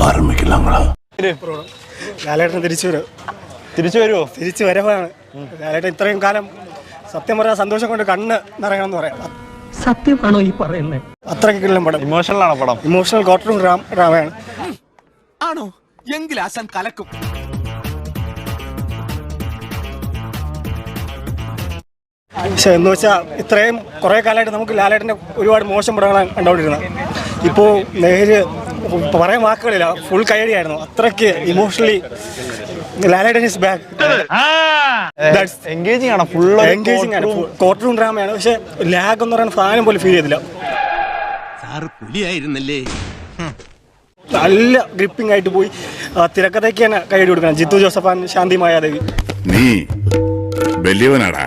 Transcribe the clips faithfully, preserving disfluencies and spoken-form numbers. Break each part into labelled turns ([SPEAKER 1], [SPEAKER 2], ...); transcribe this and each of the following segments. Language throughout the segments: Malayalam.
[SPEAKER 1] ലാലേട്ടൻ തിരിച്ചു വരും
[SPEAKER 2] തിരിച്ചു വരുമോ?
[SPEAKER 1] തിരിച്ചു വരവാണ് ലാലേട്ടൻ. ഇത്രയും കാലം സത്യം പറയാൻ സന്തോഷം കൊണ്ട് കണ്ണ് നിറയണം എന്ന് പറയാം.
[SPEAKER 3] സത്യമാണോ ഈ പറയുന്നത്?
[SPEAKER 1] അത്രയ്ക്കുള്ള പടം.
[SPEAKER 2] ഇമോഷണൽ ആണോ പടം?
[SPEAKER 1] ഇമോഷണൽ കോട്ടറും ഡ്രാമയാണ്.
[SPEAKER 4] ആണോ? എങ്കിൽ ആശാൻ കലക്കും.
[SPEAKER 1] പക്ഷെ എന്ന് വെച്ചാൽ ഇത്രയും കുറേ കാലമായിട്ട് നമുക്ക് ലാലേട്ടൻ്റെ ഒരുപാട് മോശം പടങ്ങളാണ് കണ്ടുകൊണ്ടിരുന്നത്. ഇപ്പോൾ നേര് പറയാൻ വാക്കുകളില്ല, ഫുൾ കൈയടിയായിരുന്നു. അത്രയ്ക്ക് emotionally Lalettan is back.
[SPEAKER 2] Engaging ആണ്, ഫുൾ
[SPEAKER 1] എൻഗേജിംഗ് ആണ്, കോർട്ട് റൂം ഡ്രാമയാണ്. പക്ഷെ ലാഗ് എന്ന് പറയുന്ന സാധനം പോലും ഫീൽ ചെയ്തില്ല. നല്ല ഗ്രിപ്പിംഗ് ആയിട്ട് പോയി. തിരക്കഥയ്ക്ക് തന്നെ കൈയടി കൊടുക്കണം. ജിത്തു ജോസഫാൻ, ശാന്തി മായാദേവി.
[SPEAKER 5] നീ വലിയവനാടാ,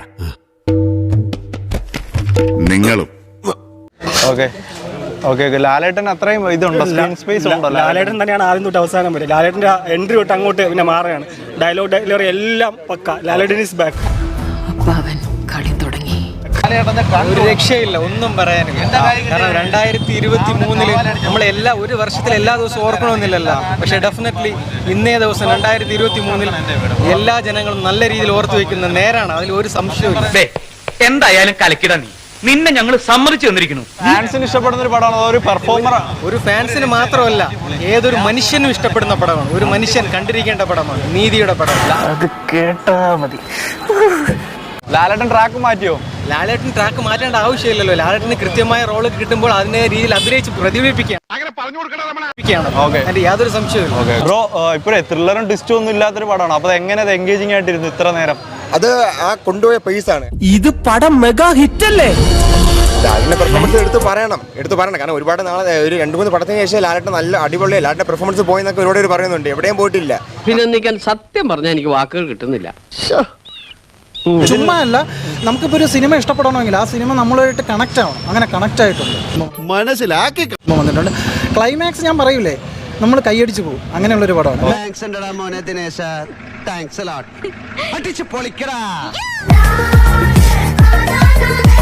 [SPEAKER 5] നിങ്ങളും.
[SPEAKER 2] ഓക്കെ ഓക്കെ ഓക്കെ ലാലേട്ടൻ അത്രയും ഇതുണ്ടോ, സ്ക്രീൻ സ്പേസ് ഉണ്ടോ?
[SPEAKER 1] ലാലേട്ടൻ തന്നെയാണ് ആദ്യം തൊട്ട് അവസാനം വരെ. ലാലേട്ടൻ്റെ എൻട്രി തൊട്ട് അങ്ങോട്ട് പിന്നെ മാറുകയാണ്. ഡയലോഗ് ഡെലിവറി എല്ലാം പക്ക. ലാലേട്ടൻ ഈസ് ബാക്ക്.
[SPEAKER 6] കളി തുടങ്ങി.
[SPEAKER 7] ഒരു രക്ഷയില്ല, ഒന്നും പറയാനില്ല. കാരണം രണ്ടായിരത്തി ഇരുപത്തി മൂന്നില് നമ്മൾ എല്ലാ ഒരു വർഷത്തിൽ എല്ലാ ദിവസവും ഓർക്കണമെന്നില്ലല്ലോ. പക്ഷെ ഡെഫിനറ്റ്ലി ഇന്നേ ദിവസം രണ്ടായിരത്തി ഇരുപത്തി മൂന്നിൽ എല്ലാ ജനങ്ങളും നല്ല രീതിയിൽ ഓർത്തു വെക്കുന്ന നേരാണ്, അതിൽ ഒരു സംശയവും.
[SPEAKER 3] എന്തായാലും കലക്കിട നീ, നിന്നെ ഞങ്ങൾ സമ്മതിച്ചു തന്നിരിക്കുന്നു.
[SPEAKER 2] ഫാൻസിന് ഇഷ്ടപ്പെടുന്ന ഒരു പടമാണ്, ഒരു പെർഫോമറാണ്.
[SPEAKER 7] ഒരു ഫാൻസിന് മാത്രമല്ല, ഏതൊരു മനുഷ്യനും ഇഷ്ടപ്പെടുന്ന പടമാണ്. ഒരു മനുഷ്യൻ കണ്ടിരിക്കേണ്ട പടമാണ്, നീതിയുടെ പടമല്ല.
[SPEAKER 3] അത് കേട്ടാ മതി.
[SPEAKER 2] ലാലേട്ടൻ ട്രാക്ക് മാറ്റിയോ?
[SPEAKER 7] ലാലേട്ടൻ ട്രാക്ക് മാറ്റേണ്ട ആവശ്യമില്ലല്ലോ. ലാലേട്ടന് കൃത്യമായ റോള് കിട്ടുമ്പോൾ അതിനെ രീതിയിൽ അഭിനയിച്ച് പ്രതിഫലിപ്പിക്കുകയാണ്. യാതൊരു സംശയവും.
[SPEAKER 2] ബ്രോ, ഇപ്പോഴേ ത്രില്ലറും ട്വിസ്റ്റും ഒന്നും ഇല്ലാത്തൊരു പടമാണ്. അപ്പൊ എങ്ങനെ അത് എൻഗേജിംഗ് ആയിട്ടിരുന്നു ഇത്ര നേരം?
[SPEAKER 8] അത് ആ കൊണ്ടുപോയ പേസാണ്.
[SPEAKER 3] ഇത് പടം മെഗാ ഹിറ്റ് അല്ലേ?
[SPEAKER 8] ലാലിന്റെ പെർഫോമൻസ് എടുത്ത് പറയണം എടുത്ത് പറയണം കാരണം ഒരുപാട് നാളെ ഒരു രണ്ട് മൂന്ന് പടത്തിന് ശേഷം ലാലേട്ടൻ നല്ല അടിപൊളി ലാലിന്റെ പെർഫോമൻസ് പോയെന്നൊക്കെ ഒരുപാട് പേര് പറയുന്നുണ്ട്. എവിടെയും പോയിട്ടില്ല.
[SPEAKER 6] അഭിനന്ദിക്കാൻ സത്യം പറഞ്ഞാൽ എനിക്ക് വാക്കുകൾ കിട്ടുന്നില്ല.
[SPEAKER 9] ചുമ്മാ അല്ല, നമുക്കിപ്പോൾ ഒരു സിനിമ ഇഷ്ടപ്പെടണമെങ്കിൽ ആ സിനിമ നമ്മളുമായിട്ട് കണക്ട് ആവണം. അങ്ങനെ കണക്ട് ആയിട്ടുണ്ട്,
[SPEAKER 8] മനസ്സിലാക്കി
[SPEAKER 9] വന്നിട്ടുണ്ട്. ക്ലൈമാക്സ് ഞാൻ പറയൂലേ, നമ്മൾ കൈയടിച്ചു പോകും. അങ്ങനെയുള്ളൊരു പടമാണ്.
[SPEAKER 4] താങ്ക്സ്